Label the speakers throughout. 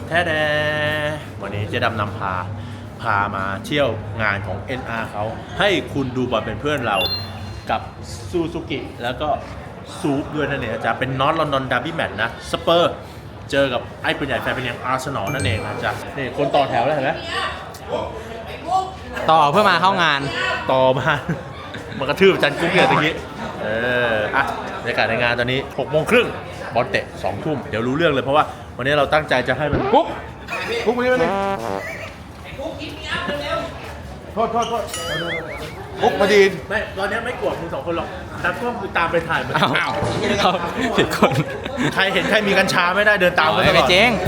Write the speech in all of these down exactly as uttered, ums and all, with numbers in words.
Speaker 1: แท้แดวันนี้เจ๊ดำนำพาพามาเที่ยวงานของ เอ็น อาร์ เขาให้คุณดูบอลเป็นเพื่อนเรากับซูซูกิแล้วก็ซูปด้วยนั่นเองจะเป็นนอตลอนดอนดาร์บี้แมตช์นะสเปอร์เจอกับไอ้ปืนใหญ่แฟนเป็นยังอาร์เซนอลนั่นเองนะจ๊ะนี่คนต่อแถวแล้วเห็นไหม
Speaker 2: ต่อเพื่อมาเข้างาน
Speaker 1: ต่อมา มันกระทืบจันกุ๊กเนี่ยตะกี้เอออ่ะบรรยากาศในงานตอนนี้หกโมงครึ่งบอลเตะสองทุ่มเดี๋ยวรู้เรื่องเลยเพราะว่าวันนี้เราตั้งใจจะให้มันกุ๊กกุ๊กมานี่มานี่โทษโทษโทษกุ๊กมาดีนไม่ตอนนี้ไม่กลัวคุณสองคนหรอกตากล้องคือตามไปถ่ายเหมือน
Speaker 2: อ้าวเขาผิดคน
Speaker 1: ใครเห็นใครมีกัญชาไม่ได้เดินตามไปตล
Speaker 2: ไม่
Speaker 1: อด
Speaker 2: เจ๊ง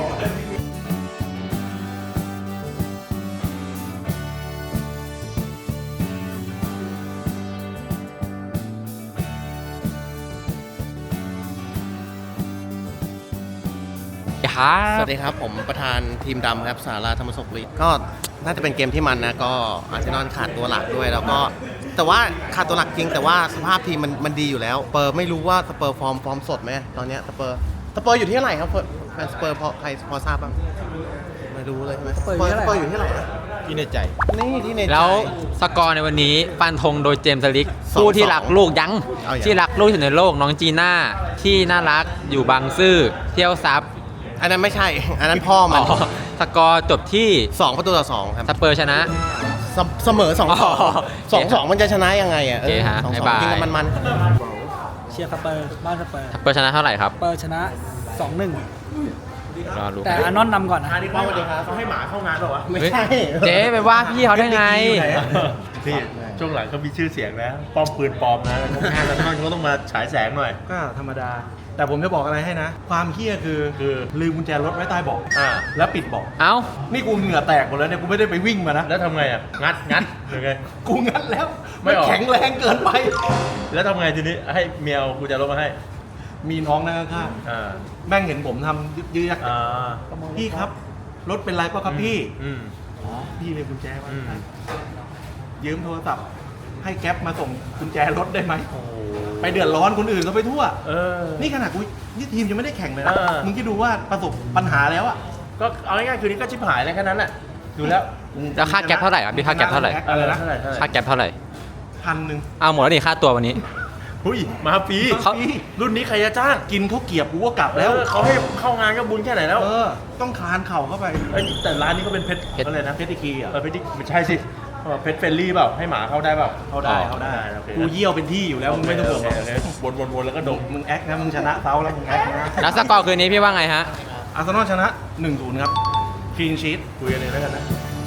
Speaker 3: สวัสดีครับผมประธานทีมดำครับสาราธรรมศกฤทธิ์ก็น่าจะเป็นเกมที่มันนะก็อาร์เซนอลขาดตัวหลักด้วยแล้วก็แต่ว่าขาดตัวหลักจริงแต่ว่าสภาพทีมมันมันดีอยู่แล้วสเปอร์ไม่รู้ว่าสเปอร์ฟอร์มฟอร์มสดไหมตอนนี้สเปอร์สเปอร์อยู่ที่เท่าไหร่ครับแฟนสเปอร์พอใครพอทราบบ้างไม่รู้เลยใช่ไหมสเปอร์สเปอร์อยู่ที่เท่าไหร่ที่ในใจนี่ที่ในใจ
Speaker 2: แล้วสกอร์ในวันนี้ฟันธงโดยเจมส์สลิก
Speaker 3: สอง
Speaker 2: ผู้ที่รักลูกยัง
Speaker 3: เอาอย่าง
Speaker 2: ที่รักลูกที่สุดในโลกน้องจีน่าที่น่ารักอยู่บางซื่อเที่ยวซับ
Speaker 3: อันนั้นไม่ใช่อันนั้นพ่อมัน
Speaker 2: อ๋อสกอร์จบที่
Speaker 3: สองประตูต่อสองครับ
Speaker 2: สเปอร์ชนะ
Speaker 3: เสเสมอสองสอง
Speaker 2: อ๋อ
Speaker 3: สองสองมันจะชนะยังไงอ่ะ
Speaker 2: โอเคฮะ
Speaker 3: สองสอง
Speaker 2: บ๊ายบาย
Speaker 3: จริงๆมันมัน
Speaker 4: เชียร์สเปอร์บ้านสเปอร์
Speaker 2: สเปอร์ชนะเท่าไหร่ครับ
Speaker 4: สเปอร์ชนะ สองหนึ่ง
Speaker 2: รอรู้
Speaker 4: แต่อานอนนำก่อนนะ
Speaker 1: อันนี้ป้าสวัสดีครับเขาให้หมาเข้างานเปล่าวะ
Speaker 3: ไม่ใช่
Speaker 2: เจ๊ไปว่าพี่เขาได้ไง
Speaker 1: พี่ช่วงหลังเขามีชื่อเสียงแล้วป้อมปืนปลอมนะแล้วงานแล้วมันก็ต้องมาฉายแสงหน่อย
Speaker 5: ก็ธรรมดา แต่ผมจะบอกอะไรให้นะ ความเฮี้ยคือ
Speaker 1: คือ
Speaker 5: ลืมกุญแจรถไว้ใต้เบาะ
Speaker 1: อ่า
Speaker 5: แล้วปิดเบาะ
Speaker 2: เอ้า
Speaker 5: นี่กูเหงื่อแตกหมดแล้วเนี่ย กูไม่ได้ไปวิ่งมานะ
Speaker 1: แล้วทำไงอ่ะ งัด งัดยังไง
Speaker 5: กูงัดแล้ว
Speaker 1: ไม่
Speaker 5: มัน
Speaker 1: ออก
Speaker 5: แข็งแรงเกินไป
Speaker 1: แล้วทำไงทีนี้ ให้เมียกูจะลบมาให้
Speaker 5: มีน้องนั่งข้าง
Speaker 1: อ่า
Speaker 5: ๆแม่งเห็นผมทำยึกยืก
Speaker 1: อ่า
Speaker 5: พี่ครับ รถเป็นไรเปล่ะครับพี่
Speaker 1: อืม
Speaker 5: อ๋อ พี่เลยกุญแจมา
Speaker 1: อืม
Speaker 5: ยืมโทรศัพท์ ให้แก๊ปมาส่งกุญแจรถได้ไหม
Speaker 1: โอ้โห
Speaker 5: ไปเดือดร้อนคนอื่นเขาไปทั่ว
Speaker 1: เออ
Speaker 5: นี่ขนาดกูนี่ทีมยังไม่ได้แข่งเลยนะ
Speaker 1: เออ
Speaker 5: มึงคิดดูว่าประสบปัญหาแล้วอะ
Speaker 1: ก็เอาง่ายๆคืนนี้ก็ชิบหายเลยแค่นั้นแหละ ดูแล้ว
Speaker 2: แล้วค่าแก๊ปเท่าไหร่ครับพี่ค่าแก๊ปเท่าไหร่
Speaker 5: อะไรนะ
Speaker 1: เท่าไหร่เท่าไหร่
Speaker 2: ค่าแก๊ปเท่าไหร่
Speaker 5: พันหนึ่ง
Speaker 2: เอาหมดแล้วนี่ค่าตัววันนี้
Speaker 1: หุ้ย มาฟรี
Speaker 2: เขา
Speaker 1: รุ่นนี้ใครจะจ้าง
Speaker 5: กินข้าวเกรียบกูก็กลับ
Speaker 1: แล้
Speaker 5: แล้ว ว
Speaker 1: เขาให้เข้างานก็บุญแค่ไหนแล้ว
Speaker 5: เออ ต้องคลานเข่าเข้าไป
Speaker 1: เอ้ยแต่ร้านนี้ก็เป็นเพชร
Speaker 2: เพชร
Speaker 1: อะไรนะ
Speaker 5: เพชรอีกีอ่ะ
Speaker 1: เออเพชรดิไม่ใช่สิเออเพชรเฟรนลี่เปล่า ให้หมาเข้าได้เปล่า
Speaker 5: เขาได้เขาได้
Speaker 1: โอเค
Speaker 5: กูเยี่ยวเป็นที่อยู่แล้วมึงไม่ต้องห่วงหรอก
Speaker 1: โเคโอเควนวนวนแล้วก็ดม
Speaker 5: มึงแอคนะมึงชนะเซาแล้วมึงแอคนะ
Speaker 2: แล้วสกอร์คืนนี้พี่ว่าไงฮะ
Speaker 5: อาร์เซนอลชนะ หนึ่งศูนย์ ครับคลีนชีต
Speaker 1: คุยกันเลยแล้วกันนะ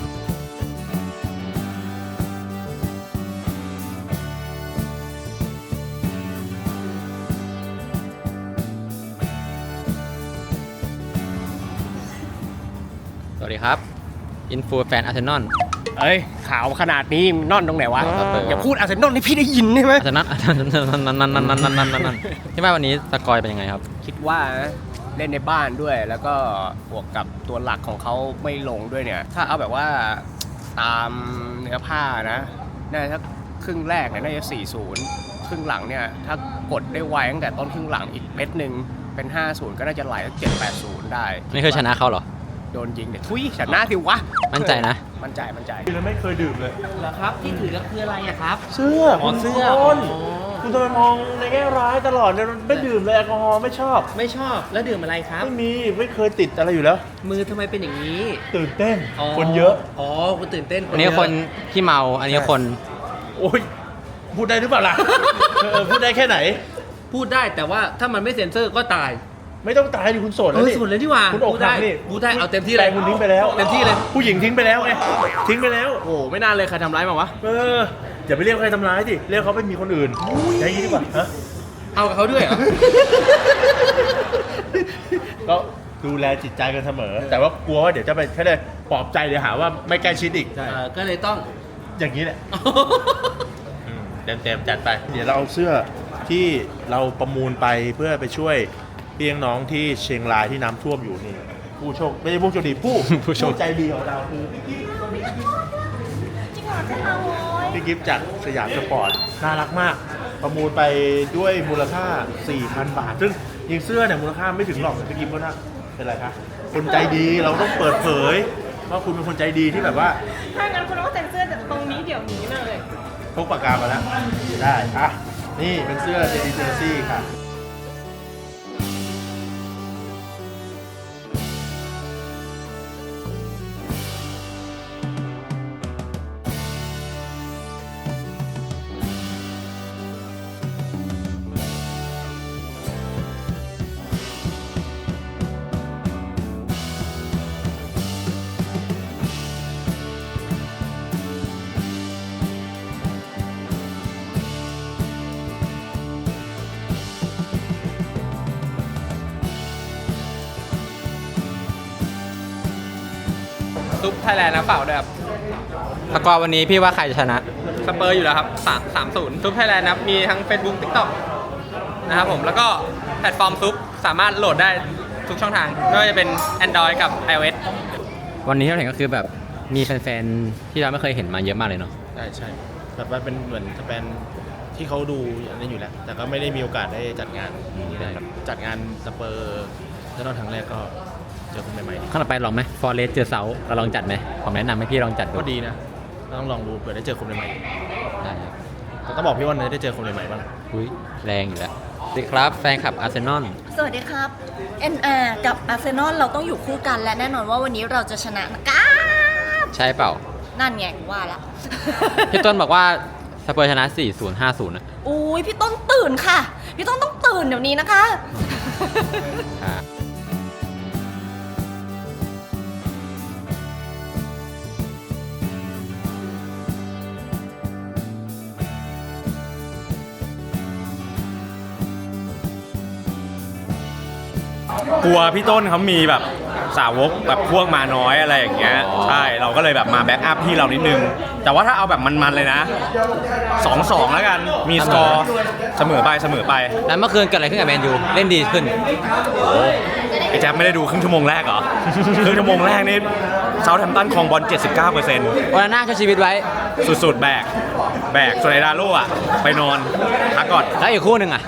Speaker 2: สวัสดีครับ อินฟูแฟนอาร์เซนอล
Speaker 6: เอ้ยข่าวขนาดนี้นอนตรงไหนวะ
Speaker 2: ครับ
Speaker 6: อย่าพูดอาร์เซนอลให้พี่ได้ยินได้ไหม
Speaker 2: อาร์เซนอลนั่นนั่นนั่นนั่นนั่นนั่นนั่นนั่นที่ว่าวันนี้สกอร์เป็นยังไงครับ
Speaker 6: คิดว่าเล่นในบ้านด้วย แล้วก็บวกกับตัวหลักของเขาไม่ลงด้วยเนี่ย ถ้าเอาแบบว่าตามเนื้อผ้านะน่าจะครึ่งแรกเนี่ยน่าจะ สี่ศูนย์ ครึ่งหลังเนี่ยถ้ากดได้ไวตั้งแต่ต้นครึ่งหลังอีกเม็ดหนึ่งเป็น ห้าศูนย์ ก็น่าจะไหลเจ็ดแปดศูนย์ ได้
Speaker 2: นี่คือชนะเขาเหรอ
Speaker 6: โดนยิงเนี่ยทุยชนะสิวะ
Speaker 2: มั่นใจนะ
Speaker 6: มั่นใจมั่นใจ
Speaker 1: คือไม่เคยดื่มเลย
Speaker 7: เหรอครับที่ถือก็คืออะไรอะครับ
Speaker 1: เสื้อ
Speaker 7: อ๋อ
Speaker 1: คุณ
Speaker 7: เสื้อ
Speaker 1: คน
Speaker 7: อ๋อ
Speaker 1: คุณทำไมมองในแง่ร้ายตลอดเนี่ยไม่ดื่มเลยแอลกอฮอล์ไม่ชอบ
Speaker 7: ไม่ชอบแล้วดื่มอะไรครับ
Speaker 1: ไม่มีไม่เคยติดอะไรอยู่แล้ว
Speaker 7: มือทำไมเป็นอย่างนี้
Speaker 1: ตื่นเต้น
Speaker 7: อ๋อ
Speaker 1: คนเยอะ
Speaker 7: อ๋อคุณตื่นเต้น
Speaker 2: อันนี้คนที่เมา อันนี้คน
Speaker 1: โอ้ยพูดได้หรือเปล่าล่ะ เออพูดได้แค่ไหน
Speaker 7: พูดได้แต่ว่าถ้ามันไม่เซ็นเซอร์ก็ตาย
Speaker 1: ไม่ต้องตายดิคุณโสด
Speaker 7: เอ
Speaker 1: แล้ว
Speaker 7: อ
Speaker 1: นี่
Speaker 7: สุดเลยที่ว่า
Speaker 1: คุณอก
Speaker 7: พูด
Speaker 1: หั
Speaker 7: ได้
Speaker 1: กนี่
Speaker 7: พูดได้เอาเต็มที่เลย
Speaker 1: แฟนคุณทิ้งไปแล้ว
Speaker 7: เต็มที่เลย
Speaker 1: ผู้หญิงทิ้งไปแล้วไงทิ้งไปแล้ว
Speaker 6: โอ้ไม่น่าเลยใครทำร้ายมาวะ
Speaker 1: เอออย่าไปเรียกใครทำร้ายสิเรียกเขาไปมีคนอื่นใช่ยี่ดีกว่าฮะ
Speaker 7: เอากับเขาด้วยเหรอ
Speaker 1: ก็ดูแลจิตใจกันเสมอ แต่ว่ากลัวว่าเดี๋ยวจะไปแค่ได้ปลอบใจเดี๋ยวหาว่าไม่ใกล้ชิดอีก
Speaker 7: เออก็เลยต้อง
Speaker 1: อย่างนี้แหละเต็มเต็มๆจัดไป เดี๋ยวเราเอาเสื้อที่เราประมูลไปเพื่อไปช่วยพี่น้องที่เชียงรายที่น้ำท่วมอยู่นี่ผู้โชคไม่ใช่ผู้โชคดีผู้
Speaker 2: ผู้โชค
Speaker 1: ใจดีของเราคือพี่กิฟต์จากสยามสปอร์ตน่ารักมาก ประมูลไปด้วยมูลค่า สี่พัน บาท ซึ่งยิงเสื้อเนี่ยมูลค่าไม่ถึงหรอกพี่กิฟต์ก็น่าเป็นไรคะคนใจดีเราต้องเปิดเผยว่าคุณเป็นคนใจดีที่แบบว่า
Speaker 8: ถ้างั้นคุณต้องเซ็นเซอร์จากตรงนี้เดี๋ยวนี้เลย
Speaker 1: พกปากกามาแล้วได้อ่ะนี่เป็นเสื้อเจดีเจอร์ซี่ค่ะ
Speaker 2: ซุปไทยแลนด์นะเปล่าด้วยครับสกอร์วันนี้พี่ว่าใครจะชนะ สเปอร์อยู่แล้วครับสาม สาม ศูนย์ซุปไทยแลนด์นะครับมีทั้ง Facebook TikTok นะครับผมแล้วก็แพลตฟอร์มซุปสามารถโหลดได้ทุกช่องทางไม่ว่าจะเป็น Android กับ iOS วันนี้ที่เราเห็นก็คือแบบมีแฟนๆที่เราไม่เคยเห็นมาเยอะมากเลยเนาะ
Speaker 1: ใช่ใช่แบบว่าเป็นเหมือนสเปนที่เขาดูอันนี้อยู่แล้ว แต่ก็ไม่ได้มีโอกาสได้จัดงานนี้นะครับจัดงานสเปอร์แล้วตอนครั้งแรกก็เจอคนใหม่ๆดี
Speaker 2: ข้างต่อไปลองไหมฟอร์เรสเจอเซาเราลองจัดไหมผมแนะนำให้พี่ลองจัดดู
Speaker 1: ก็ดีนะต้องลองดูเผื่อได้เจอคนใหม่
Speaker 2: ได้ครับ
Speaker 1: ๆแต่ต้องบอกพี่ว่าเนยได้เจอคนใหม่ๆบ้าง
Speaker 2: อุ้ยแรงอยู่แล้วสวัสดีครับแฟนคลับอาร์เซนอล
Speaker 8: สวัสดีครับ เอ็น อาร์ กับอาร์เซนอลเราต้องอยู่คู่กันและแน่นอนว่าวันนี้เราจะชนะนะครับ
Speaker 2: ใช่เปล่า
Speaker 8: นั่นไงว่าละ
Speaker 2: พี่ต้นบอกว่าสเปอร์ชนะ สี่ ศูนย์ ห้า ศูนย์ นะ
Speaker 8: อุ้ยพี่ต้นตื่นค่ะ พี่ต้นต้องตื่นเดี๋ยวนี้นะคะ
Speaker 2: อ่า
Speaker 9: กลัวพี่ต้นเขามีแบบสาวกแบบพวกมาน้อยอะไรอย่างเงี้ยใช่เราก็เลยแบบมาแบ็กอัพพี่เรานิดนึง แต่ว่าถ้าเอาแบบมันๆเลยนะ สองสอง แล้วกันมีสกอร์เสมอไปเสมอไป
Speaker 2: แล้วเมื่อคืนเกิดอะไรขึ้นกับแมนยูเล่นดีขึ้น
Speaker 9: ไอ้แจ๊บไม่ได้ดูครึ่งชั่วโมงแรกเหรอ ครึ่งชั่วโมงแรกนี่เซาท์แฮมป์ตันครองบอล เจ็ดสิบเก้าเปอร์เซ็นต์
Speaker 2: วันนั้นน่าช่วยชีวิตไว้
Speaker 9: สุดๆแบกแบกส่วนไอ้ดาโล่อะไปนอนพักก่อน
Speaker 2: แล้วอีกคู่หนึ่งอ่ะ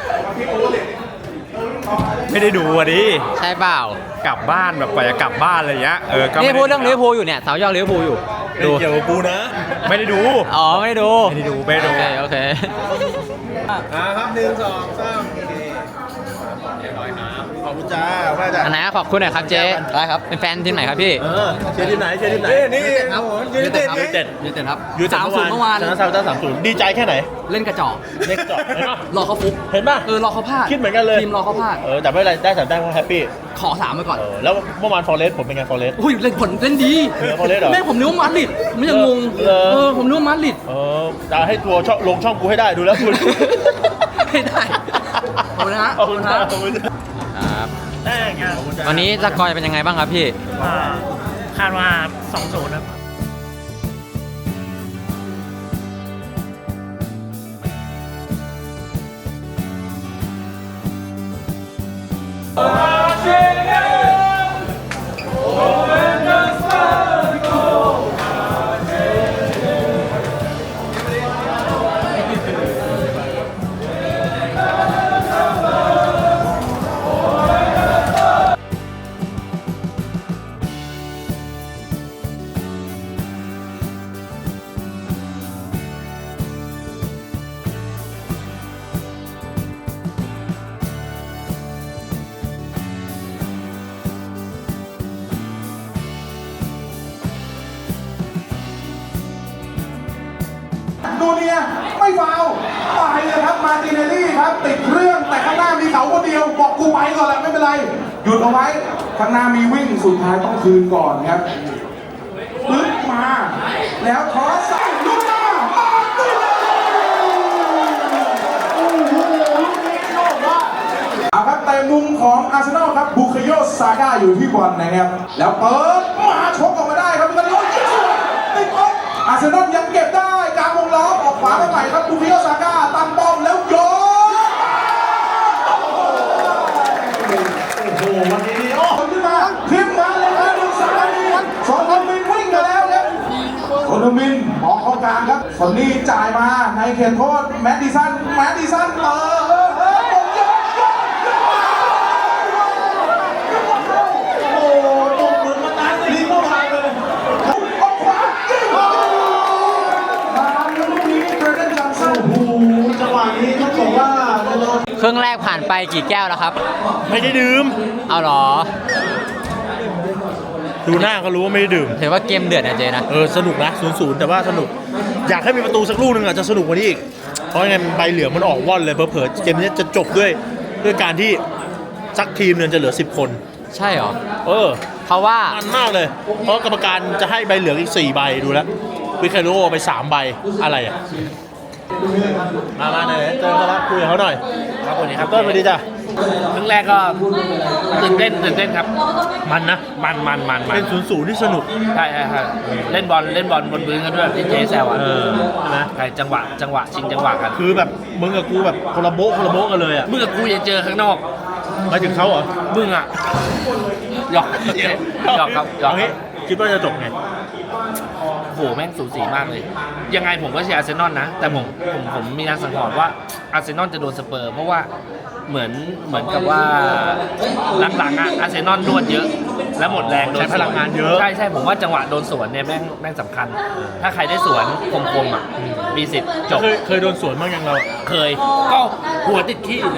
Speaker 9: ไม่ได้ดูอ่ะดิ
Speaker 2: ใช่เปล่า
Speaker 9: กลับบ้านแบบกว่าจะกลับบ้านอะไรอย่างเงี้ยเออก็
Speaker 2: นี่
Speaker 9: ไม่ไ
Speaker 2: พูดเรื่องลิเวอร์พูลอยู่เนี่ยสาวยอดลิเวอร์พูลอยู่
Speaker 1: ดูเกี่ยวกับกูนะ
Speaker 9: ไม่ได้ดู
Speaker 2: อ๋อ ไม่ได้ดู
Speaker 9: ไม่ได้ดูไม่ได้ดู
Speaker 2: โอเคโอเค
Speaker 1: อ่าครับหนึ่งสองสามโอเคเรียบร้อยครับขอบคุณจ้าแม่จ้า
Speaker 2: อันไหนขอบคุณหน่อยครับเจ๊ได้ครับ เป็นแฟนทีมไหนครับพี่
Speaker 1: เออเชียร์ทีมไหนเชียร์ทีมไหนนี่ครับผมยูไนเต็ดยูไนเต็ด
Speaker 7: ยูเต็ดครับ
Speaker 1: ยูไนเต็ด
Speaker 7: สามศูนย์เมื่อวาน
Speaker 1: ชนะซาอุต้าสามศูนย์ดีใจแค่ไหน
Speaker 7: เล่นกระจอก
Speaker 1: เล็กจอดเห็นปะ
Speaker 7: รอเขาฟุก
Speaker 1: เห็นปะ
Speaker 7: เออ รอเขาพลาด
Speaker 1: คิดเหมือนกันเลย
Speaker 7: ทีมรอเขาพลาด
Speaker 1: เออแต่ไม่เป็นไรได้สามแต้มก็แฮปปี้
Speaker 7: ขอสามไปก่อน
Speaker 1: เออแล้วเมื่อวานฟอร์เรสผมเป็นไงฟอร์เรส
Speaker 7: อุ้ยเล่นผลเล่นดี
Speaker 1: เหนือ Forest เหรอ
Speaker 7: แม่งผมนึกว่ามาดริดผมยังงง
Speaker 1: เหรอ
Speaker 7: เออ ผมนึกว่ามาดริด
Speaker 1: เออจะให้ตัวช่องลงช่องกูให้ได้ดูแล้วคุณ
Speaker 7: ไม่ได้ขอบคุณนะฮะ
Speaker 1: ขอบคุณครับขอบคุณครับ
Speaker 2: ครับ
Speaker 1: แม่งขอบคุณจ้า
Speaker 2: วันนี้สกอร์จะเป็นยังไงบ้างครับพี่
Speaker 4: คาดว่าสองศูนย์ครับ
Speaker 10: ดูเนี่ยไม่ฟาวไปเลยครับมาร์ติเนลลี่ครับติดเครื่องแต่ข้างหน้ามีเขาคนเดียวบอกกูไปก่อนแหละไม่เป็นไรหยุดเอาไว้ข้างหน้ามีวิ่งสุดท้ายต้องคืนก่อนครับปึ๊บมาแล้วทอสใส่ลุกมามาร์ติเนลลี่โอ้โหลูกนี้โยกว่าเอาครับแต่มุมของอาร์เซนอลครับบุคโยซาก้าอยู่ที่บอลนะครับแล้วเปิดมาชกออกมาได้ครับเป็นรถยิงสวยติดบอลอาร์เซนอลยังเก็บได้กลางวงล้อมออกขวาไปใหม่ครับบุคโยซาก้าตั้งป้อมแล้วโยนโอ้โหวันนี้นี่โอ้ขึ้นมาขึ้นมาเลยครับลูกสาวนี่สอนทมินวิ่งมาแล้วครับสอนทมินออกเข้ากลางครับสอนนี่จ่ายมาในเขตโทษแมดดิสันแมดดิสันเออเออเออโยนโยนโยน
Speaker 2: รื่องแรกผ่านไปกี่แก้วแล้วครับ
Speaker 1: ไม่ได้ดื่ม
Speaker 2: เอาเหรอ
Speaker 1: ดูหน้าก็รู้ว่าไม่ได้ดื่ม
Speaker 2: ถือว่าเกมเดือดนะเจนะ
Speaker 1: เออสนุกนะศูนย์ศูนย์แต่ว่าสนุก อยากให้มีประตูสักลูกหนึ่งอ่ะจะสนุกกว่านี้อีก เพราะยังไงใบเหลืองมันออกว่อนเลยเผลอๆเกมนี้จะจบด้วยด้วยการที่สักทีมเนี่ยจะเหลือสิบคน
Speaker 2: ใช่เหรอ
Speaker 1: เออ
Speaker 2: เพราะว่า
Speaker 1: มันมากเลย เพราะกรรมการจะให้ใบเหลืองอีกสี่ใบดูแล้ววิคาโรไปสามใบอะไรอ่ะมามาไหนเจอเขาแล้วคุยกับเขาหน่อย
Speaker 6: ครับวันนี้ครับ
Speaker 1: ต้นสวัสดีจ้ะ
Speaker 6: ครึ่งแรกก็ตื่นเต้นตื่นเต้นครับ
Speaker 1: มันนะ
Speaker 6: มันมันมันมัน
Speaker 1: เป็นศูนย์ศูนย์ที่สนุก
Speaker 6: ใช่ใช่ใช่เล่นบอลเล่นบอลบนพื้นกันด้วยที่เจแซวอ่ะ
Speaker 1: เออใช่ไหม
Speaker 6: ใช่จังหวะจังหวะชิงจังหวะกัน
Speaker 1: คือแบบมึงกับกูแบบคนละโบ๊ะคนละโบ๊ะกันเลยอ่ะ
Speaker 6: มึงกับกูยังเจอข้างนอก
Speaker 1: หมายถึงเขาเหรอ
Speaker 6: มึงอ่ะหยอกหยอกครับหยอก
Speaker 1: เอางี้คิดว่าจะจบไง
Speaker 6: โหแม่งสูสีมากเลย ยังไงผมก็เชียร์อาร์เซนอลนะ แต่ผมผมผมมีการสังหรณ์ว่าอาร์เซนอลจะโดนสเปอร์เพราะว่าเหมือนเหมือนกับว่าหลังๆอ่ะอาร์เซนอลนวดเยอะ และหมดแรงโดน
Speaker 1: ใช้พลังงานเยอะ
Speaker 6: ใช่ใช่ผมว่าจังหวะโดนสวนเนี่ยแม่งแม่งสำคัญ ถ้าใครได้สวนคมๆอ่ะมีสิทธิ์จบ
Speaker 1: เคยเคยโดนสวนบ้างยังเรา
Speaker 6: เคยก็หัวติดขี้เลย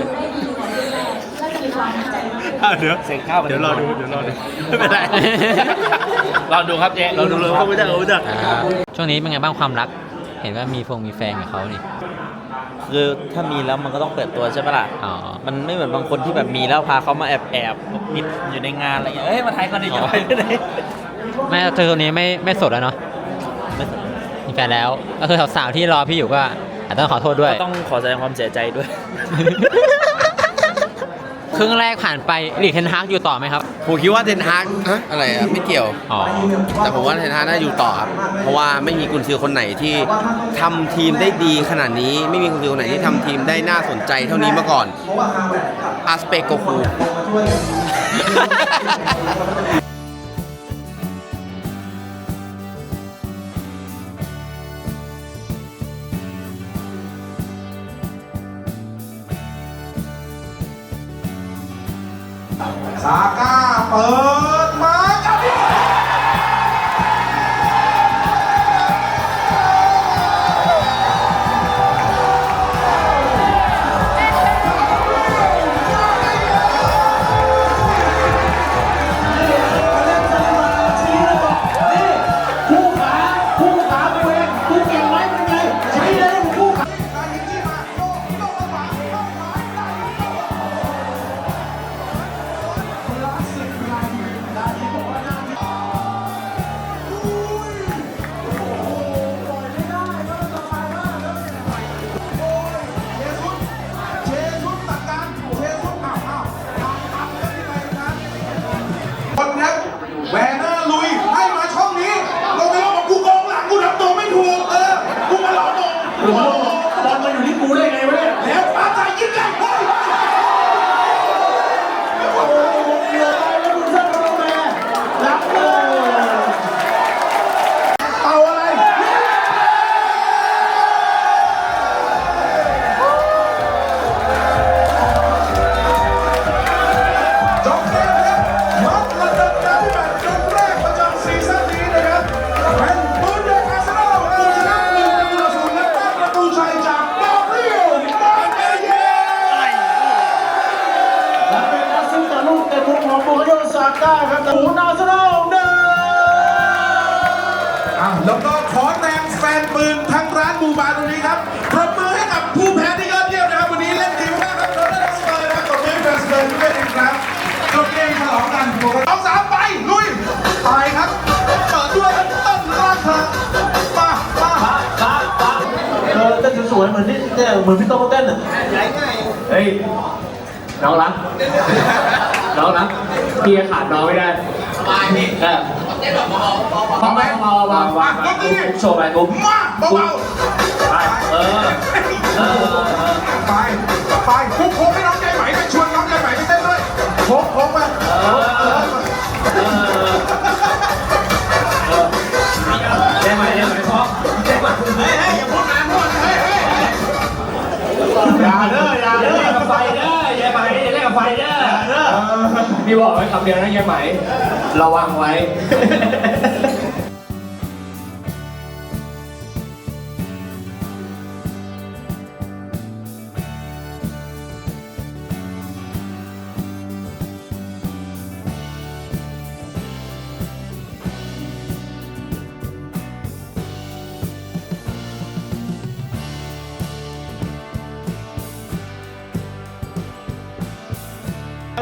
Speaker 1: อ่ะเดี๋ยว
Speaker 6: เสกข้าวไป
Speaker 1: เดี๋ยวรอดูเดี๋ยวรอดูไม่เป็นไร
Speaker 6: รอดูครับเจ๊
Speaker 1: เราดูเลยเขาไม่ได้เขาไม่ได้
Speaker 2: ช่วงนี้เป็นไงบ้างความรัก เห็นว่ามีฟงมีแฟนกับเขานี่
Speaker 11: คือถ้ามีแล้วมันก็ต้องเปิดตัวใช่ปะล่ะ
Speaker 2: อ๋อ
Speaker 11: มันไม่เหมือนบางคนที่แบบมีแล้วพาเขามาแอบแอบมิดอยู่ในงานอะไรเงี้ย เอ้ยมาไทยก่อนดิจะไปที่ไหน
Speaker 2: แม่เธอคนนี้ไม่ไม่สดแล้วเนาะ
Speaker 11: ไม่สน
Speaker 2: มีแฟนแล้ว ก็คือสาวๆที่รอพี่อยู่ก็อาจจะต้องขอโทษด้วย
Speaker 11: ก็ต้องขอแสดงความเสียใจด้วย
Speaker 2: ครึ่งแรกผ่านไปลีกเทนฮากอยู่ต่อไหมครับ
Speaker 3: ผมคิดว่าเทนฮากอะไรอ่ะไม่เกี่ยว
Speaker 2: อ๋อ
Speaker 3: แต่ผมว่าเทนฮากน่าอยู่ต่อครับ เพราะว่าไม่มีกุนซือคนไหนที่ทำทีมได้ดีขนาดนี้ ไม่มีกุนซือคนไหนที่ทำทีมได้น่าสนใจเท่านี้มาก่อนอาสเปโกคู
Speaker 10: ซาก้าเปิดมากับ คนครับแวนเนอร์ลุยให้มาช่องนี้ลงไปแล้วบอกกูกองหลังกูทำตัวไม่ถูกเออกูมาหลอกมงบอลมาอยู่ที่กูได้ไงวะเนี่ยแล้วปาใจยิ่งใหญ่เฮ้ยโอ้โหเกี่ยวไปแล้วคุณเส้นมาแม่รับเลยเป่าอะไรจบเกมครับมัดระดับน้ำแบบเกมแรกประจำซีซั่นนี้นะครับเป็นบุนเดสอาร์เซนอลเอาชนะหนึ่งประตูต่อศูนย์และได้ประตูชัยจากดาริโอมาเตเย่และเป็นแอสซิสต์จากลูกเตะมุมของบูคาโยซาก้าครับศูนย์อาร์เซนอลหนึ่งอ่ะแล้วก็ขอแรงแฟนปืนทั้งร้านบูบาตรงนี้ครับปรบมือให้กับผู้แพ้ที่ยอดเยี่ยมนะครับวันนี้เล่นดีมากครับเราได้สเปอร์นะครับกดเล่นแฟนสเปอร์ด้วยอีกครั้งจบเกมฉลองกันสองสามไปลุยไปครับเปิดด้วยต้นรักเธอมามามามาเออเต้นสวยๆเหมือนที่เนี่ยเหมือนพี่โต้เต้นอ่ะเฮ้ยน้องรักน้องรักพี่ขาดน้องไม่ได้สบายพี่เออพอไหมเบาเบาเบาโชว์ไปกูมาเบาๆไปเออเออไปไปคุกโค้งให้น้องใจไหมไปชวนน้องใจไหมไปเต้นด้วยโค้งโค้งมาเออเออเออใจไหมใจไหมพอใจไหมเฮ้ยเฮ้ยอย่าพูดนานพูดเฮ้ยเฮ้ยอย่าเด้ออย่าเด้อเล่นกับไฟเด้ออย่าไปเล่นกับไฟเด้อเด้อพี่บอกไว้คำเดียวนะยายไหมระวังไว้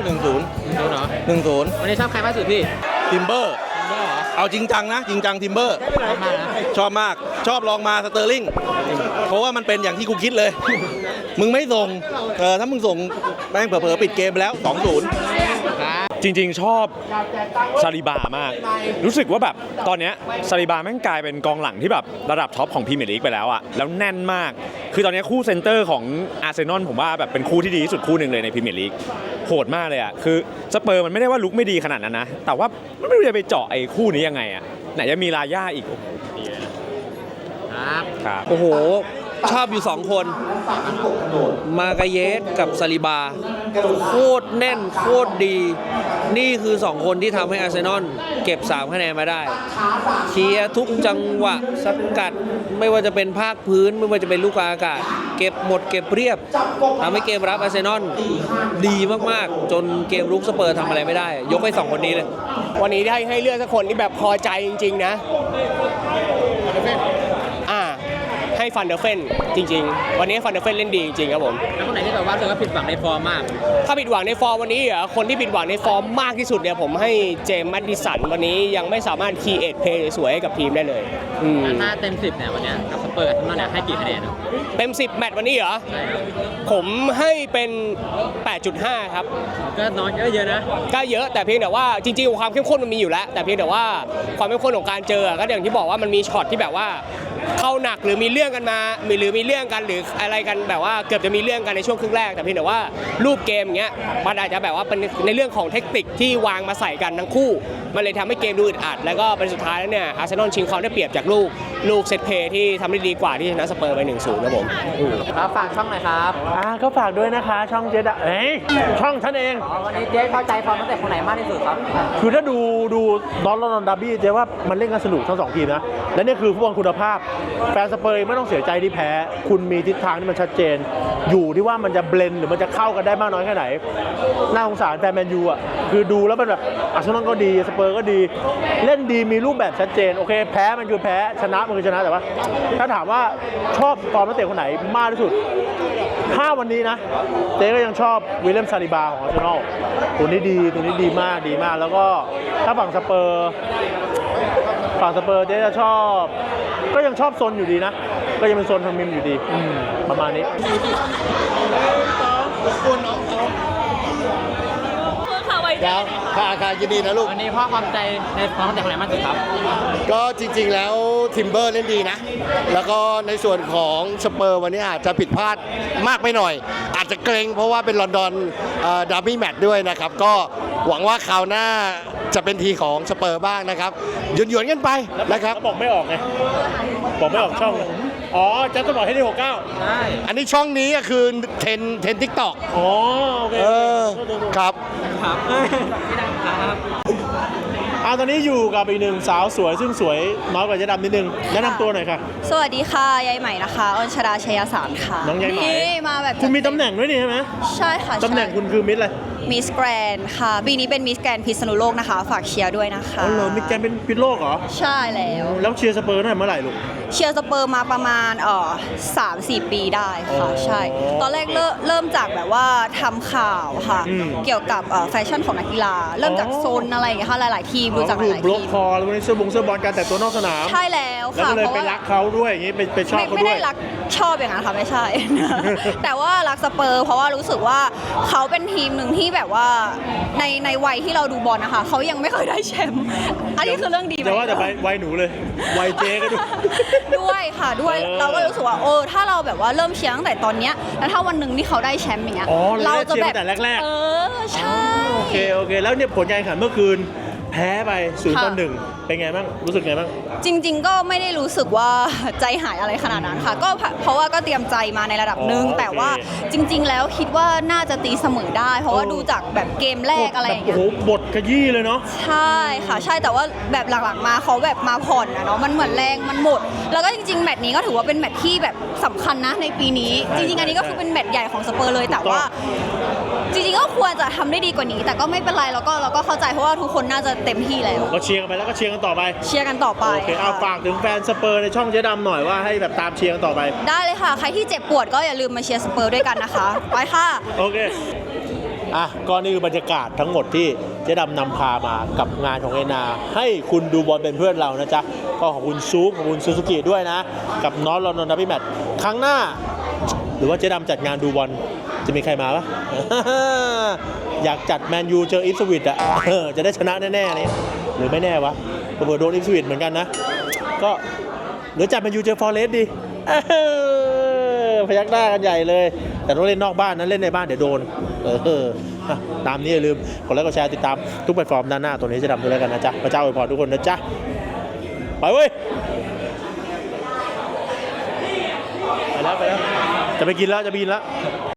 Speaker 7: หนึ่งศูนย์
Speaker 2: ดูเนาะ
Speaker 7: หนึ่งศูนย์
Speaker 2: วันนี้ชอบใครมากสุดพี่
Speaker 7: ทิมเบอร์
Speaker 2: ทิมเบอร์เหรอ
Speaker 7: เอาจริงจังนะ จริงจังทิมเบอร์
Speaker 2: ชอบมากนะ
Speaker 7: ชอบมาก ชอบลองมาสเตอร์ลิงเพราะว่ามันเป็นอย่างที่กูคิดเลย มึงไม่ส่ง เออถ้ามึงส่งแม่งเผลอๆปิดเกมไปแล้ว สองศูนย์
Speaker 9: จริงๆ ชอบซาลิบามาก รู้สึกว่าแบบตอนเนี้ยซาลิบาแม่งกลายเป็นกองหลังที่แบบระดับท็อปของพรีเมียร์ลีกไปแล้วอะแล้วแน่นมาก คือตอนเนี้ยคู่เซนเตอร์ของอาร์เซนอลผมว่าแบบเป็นคู่ที่ดีที่สุดคู่หนึ่งเลยในพรีเมียร์ลีกโหดมากเลยอะคือสเปอร์มันไม่ได้ว่าลุกไม่ดีขนาดนั้นนะ แต่ว่ามันไม่รู้จะไปเจาะไอ้คู่นี้ยังไงอะไหนจะมีลาย่าอีกโอ้โหดีเลยนะครับครับ
Speaker 7: โอ้โห ชอบอยู่ สอง คน มากาเยสกับซาลิบา โคตรแน่น โคตรดี นี่คือ สอง คนที่ทำให้อาร์เซนอลเก็บ สาม คะแนนมาได้ เคลียร์ทุกจังหวะสกัด ไม่ว่าจะเป็นภาคพื้น ไม่ว่าจะเป็นลูกกลางอากาศ เก็บหมดเก็บเรียบทำให้เกมรับอาร์เซนอลดีมากๆ จนเกมรุกสเปอร์ทำอะไรไม่ได้ ยกให้ สอง คนนี้เลย
Speaker 6: วันนี้ได้ให้เลือกสักคนที่แบบพอใจจริงๆนะอ่าให้ฟันเดอร์เฟนจริงๆ วันนี้ฟันเดอร์เฟนเล่นดีจริงๆครับผม
Speaker 2: แล้วคนไหนที่แบบว่ารู้สึกว่าผิดหวังในฟอร์มมาก
Speaker 6: ถ้าผิดหวังในฟอร์มวันนี้เหรอคนที่ผิดหวังในฟอร์มมากที่สุดเนี่ยผมให้เจมส์แมดดิสันวันนี้ยังไม่สามารถคีเอทเพลย์สวยๆให้กับทีมได้เลยอืม
Speaker 2: ถ้าเต็มสิบเนี่ยวันเนี้ยกับสเปอร์กับอาร์เซนอลเนี่ยให้กี่คะแนน
Speaker 6: เต็มสิบแมตช์วันนี้เหรอผมให้เป็น แปดจุดห้า ครับ
Speaker 2: ก็น้อยก็เยอะนะ
Speaker 6: ก็เยอะแต่เพียงแต่ว่าจริงๆความเข้มข้นมันมีอยู่แล้ว แต่เพียงแต่ว่าความเข้มข้นของการเจอก็อย่างที่บอกว่ามันมีช็อตที่แบบว่าเข้าหนักหรือมีเรื่องกันมาหรือมีเรื่องกันหรืออะไรกันแบบว่าเกือบจะมีเรื่องกันในช่วงครึ่งแรกแต่เพียงแต่ว่ารูปเกมอย่างเงี้ยมันอาจจะแบบว่าเป็นในเรื่องของเทคนิคที่วางมาใส่กันทั้งคู่มันเลยทำให้เกมดูอึดอัดแล้วก็เป็นสุดท้ายแล้วเนี่ยอาร์เซนอลชิงความได้เปรียบจากลูกลูกเซตเพลย์ที่ทำได้ดีกว่าที่ชนะสเปอร์ไป หนึ่งศูนย์ ครับผม
Speaker 2: ครับฝากช่องหน่อยครับ
Speaker 1: อ่าก็ฝากด้วยนะคะช่องเจดะเอ้ยช่องท่านเอง
Speaker 2: วันนี้เจ๊เข้าใจฟอร์มตั้งแต่คนไหนมากที่สุดครับ
Speaker 1: คือถ้าดูดูดอลลอนดาร์บี้เจ๊ว่ามันเล่นกันสนุกทั้งสองทีมนะ และนี่คือฟุตบอลคุณภาพ แฟนสเปอร์ไม่ต้องเสียใจที่แพ้ คุณมีทิศทางที่มันชัดเจน อยู่ที่ว่ามันจะเบลนด์หรือมันจะเข้ากันได้มากน้อยแค่ไหน น่าสงสารแฟนแมนยูอ่ะคือดูแล้วมันแบบอาร์เซนอลก็ดีสเปอร์ก็ดี เล่นดีมีรูปแบบชัดเจนโอเคแพ้มันคือแพ้ชนะมันคือชนะแต่ว่า ถ้าถามว่าชอบฟอร์มนักเตะคนไหนมากที่สุดถ้าวันนี้นะเจ๊ก็ยังชอบวิลเลียมซาลิบาของอาร์เซนอลตัวนี้ดีตัวนี้ดีมากดีมาก แล้วก็ถ้าฝั่งสเปอร์ฝั่งสเปอร์เจ๊จะชอบก็ยังชอบโซนอยู่ดีนะก็ยังเป็นโซนทางมิมอยู่ดีประมาณนี้
Speaker 12: แล้วค่ะค่ะยินดีนะลูก
Speaker 2: วันนี้พ่อความใจในฟอร์มตั้งแต่คนไหนมากสุดครับ
Speaker 12: ก็จริงๆแล้วทิมเบอร์เล่นดีนะ แล้วก็ในส่วนของสเปอร์วันนี้อาจจะผิดพลาดมากไปหน่อย อาจจะเกรงเพราะว่าเป็นลอนดอนดาร์บี้แมตช์ด้วยนะครับ ก็หวังว่าคราวหน้าจะเป็นทีของสเปอร์บ้างนะครับหยวนๆกันไปนะครับ
Speaker 1: บอกไม่ออกไงบอกไม่ออกช่องอ๋อจะต้องบอกให้ได้หกเก้า
Speaker 2: ใช่
Speaker 12: อันนี้ช่องนี้ก็คือเทนเทนทิกตอก
Speaker 1: อ๋อโอเค
Speaker 12: เออครับ
Speaker 2: ครับพี่ดังครับ
Speaker 1: อ่าตอนนี้อยู่กับอีกหนึ่งสาวสวยซึ่งสวยน้อยกว่าเจ๊ดำนิดนึงแนะนำตัวหน่อยค่ะ
Speaker 8: สวัสดีค่ะยายใหม่นะคะอญชราชัยสารค่ะ
Speaker 1: น้องยายใหม่
Speaker 8: นี่มาแบบ
Speaker 1: คุณมีตำแหน่งด้วยนี่ใช่ไหม
Speaker 8: ใช่ค่ะ
Speaker 1: ตำแหน่งคุณคือมิสอะไร
Speaker 8: มิสแกรนค่ะปีนี้เป็นมิสแกรนพิษณุโลกนะคะ ฝากเชียร์ด้วยนะคะ
Speaker 1: อ๋อเหรอมิสแกรนเป็นพิษโลกเหรอ
Speaker 8: ใช่แล้ว
Speaker 1: แล้วเชียร์สเปอร์ตั้งแต่เมื่อไหร่ลูก
Speaker 8: เชียร์สเปอร์มาประมาณเอ่อสามสี่ปีได้ค่ะ
Speaker 1: อ๋อ
Speaker 8: ใช่ ตอนแรกเริ่มเริ่มจากแบบว่าทำข่าวค่ะ
Speaker 1: อืม
Speaker 8: เกี่ยวกับเอ่อแฟชั่นของนักกีฬา เริ่มจาก
Speaker 1: อ๋อ
Speaker 8: โซนอะไรอย่างเงี้ยค่ะหลาย ๆ ทีม
Speaker 1: อ๋
Speaker 8: ดู
Speaker 1: อ
Speaker 8: จากห
Speaker 1: คือ
Speaker 8: ลาย
Speaker 1: บล็
Speaker 8: ๆ
Speaker 1: อก
Speaker 8: ทีม
Speaker 1: คอแล้ววันนี้เสื้อบงเสื้อบอลการแต่งตัวนอกสนาม
Speaker 8: ใช่แล้ว
Speaker 1: แล้ว
Speaker 8: ค่ะ
Speaker 1: ก็เลย
Speaker 8: เพราะ
Speaker 1: ไป
Speaker 8: ว่า
Speaker 1: รักเขาด้วยอย่างงี้ไปไปชอบ
Speaker 8: ไม่
Speaker 1: เขา
Speaker 8: ไม่
Speaker 1: ด้ว
Speaker 8: ได้
Speaker 1: ย
Speaker 8: รักชอบอย่างนั้นค่ะไม่ใช่ แต่ว่ารักสเปอร์เพราะว่ารู้สึกว่าเขาเป็นทีมหนึ่งที่แบบว่าในในวัยที่เราดูบอลนะคะเขายังไม่เคยได้แชมป์อันนี้คือเรื่องดีไหม
Speaker 1: แต่ว่าแต่ไปวัยหนูเลยวัยเจ๊ก็ดู
Speaker 8: ด้วยค่ะด้วย
Speaker 1: เออ
Speaker 8: เราก็รู้สึกว่าเออถ้าเราแบบว่าเริ่มเชียร์ตั้งแต่ตอนเนี้ยแล้วถ้าวันหนึ่งที่เขาได้แชมป์อย่างเงี้ย
Speaker 1: อ๋อเราได้เชียร์ตั้งแต่แรกๆ
Speaker 8: เออใช่
Speaker 1: โอเคโอเค แล้วเนี่ยผลการแข่งขันเมื่อคืนแพ้ไปศูนย์ต่อ
Speaker 8: ค่ะ
Speaker 1: หนึ่งเป็นไงบ้างรู้สึกไงบ้าง
Speaker 8: จริง ๆ ก็ไม่ได้รู้สึกว่า ใจหายอะไรขนาดนั้นค่ะ ก็เพราะว่าก็เตรียมใจมาในระดับหนึ่ง
Speaker 1: อ๋อโอเค
Speaker 8: แต่ว่าจริง ๆ แล้วคิดว่าน่าจะตีเสมอได้ เพราะว่า
Speaker 1: เออ
Speaker 8: ดูจากแบบเกมแรกอะไรอย่างเงี้ย
Speaker 1: โอ้โหบทขยี้เลยเนาะ
Speaker 8: ใช่ค่ะใช่แต่ว่าแบบหลังๆมาเขาแบบมาผ่อนนะเนาะมันเหมือนแรงมันหมด แล้วก็จริงๆแมตช์นี้ก็ถือว่าเป็นแมตช์ที่แบบสำคัญนะในปีนี้
Speaker 1: ใช่
Speaker 8: จริงๆอันนี้ก็คือเป็นแมตช์ใหญ่ของสเปอร์เลยแต่ว่า จริงๆก็ควรจะทำได้ดีกว่านี้ แต่ก็ไม่เป็นไรเราก็เราก็เข้าใจเพราะว่าทุกคนน่าจะเต็มที่แล้ว
Speaker 1: ก็เชียร์กันไปแล้วก็เชียร์กันต่อไป
Speaker 8: เชียร์กันต่อไป
Speaker 1: โอเคเอา
Speaker 8: ค่ะ
Speaker 1: ฝากถึงแฟนสเปอร์ในช่องเจ๊ดำหน่อยว่าให้แบบตามเชียร์กันต่อไป
Speaker 8: ได้เลยค่ะ ใครที่เจ็บปวดก็อย่าลืมมาเชียร์สเปอร์ด้วยกันนะคะ ไปค่ะ
Speaker 1: โอเคอ่ะก็นี่คือบรรยากาศทั้งหมดที่เจ๊ดำนำพามากับงานของเอ็นอาร์ให้คุณดูบอลเป็นเพื่อนเรานะจ๊ะก็ขอบคุณซูปขอบคุณซูซูกิด้วยนะกับน้องลอนดอนดับบี้แมตช์ครั้งหน้า หรือว่าเจ๊ดำจัดงานดูบอลจะมีใครมาปะ อยากจัดแมนยูเจออิฟสวิตอ่ะ จะได้ชนะแน่ๆนี่หรือไม่แน่วะเผื่อโดนอิฟสวิตเหมือนกันนะก็หรือจัดแมนยูเจอฟอร์เรสต์ดิ พยักหน้ากันใหญ่เลยแต่ต้องเล่นนอกบ้านนะเล่นในบ้านเดี๋ยวโดนเออตามนี้อย่าลืมกดไลค์กดแชร์ติดตามทุกแพลตฟอร์มด้านหน้าตัวนี้จะดำด้วยแล้วกันนะจ๊ะพระเจ้าอวยพรทุกคนนะจ๊ะไปเว้ยไปแล้วไปแล้วจะไปกินแล้วจะไปกินแล้ว